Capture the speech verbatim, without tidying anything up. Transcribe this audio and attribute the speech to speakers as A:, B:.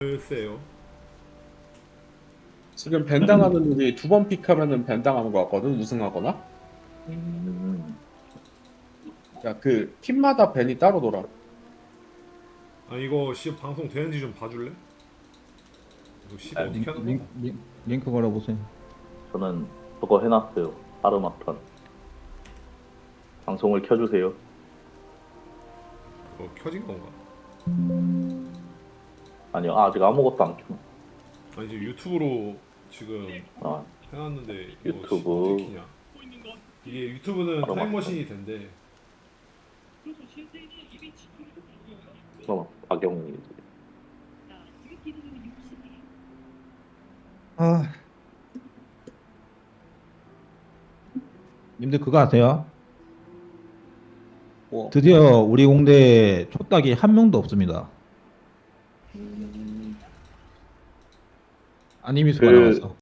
A: 글쎄요.
B: 지금 벤당하는 일이 두 번 픽하면은 벤당하는 것 같거든, 우승하거나.
C: 음,
B: 야, 그 팀마다 벤이 따로 돌아.
A: 아 이거 씨 방송 되는지 좀 봐줄래? 이거 씨
C: 아,
A: 어떻게
D: 링,
A: 하는
D: 링,
A: 거야?
D: 링, 링크 걸어보세요.
C: 저는 그거 해놨어요. 아르마턴. 방송을 켜주세요.
A: 그거 켜진 건가?
C: 아니요, 아직 아무것도 안 켜.
A: 아니 지금 유튜브로 지금
C: 아,
A: 해놨는데 이거
C: 유튜브.
A: 씨, 어떻게 키냐? 이게 유튜브는
C: 바로
A: 타임머신이 된대.
C: 그럼 박영훈이
D: 아, 님들 그거 아세요?
B: 뭐,
D: 드디어 우리 공대 촉닭이 한 명도 없습니다.
C: 음,
D: 아니미수가
C: 그-
D: 나왔어.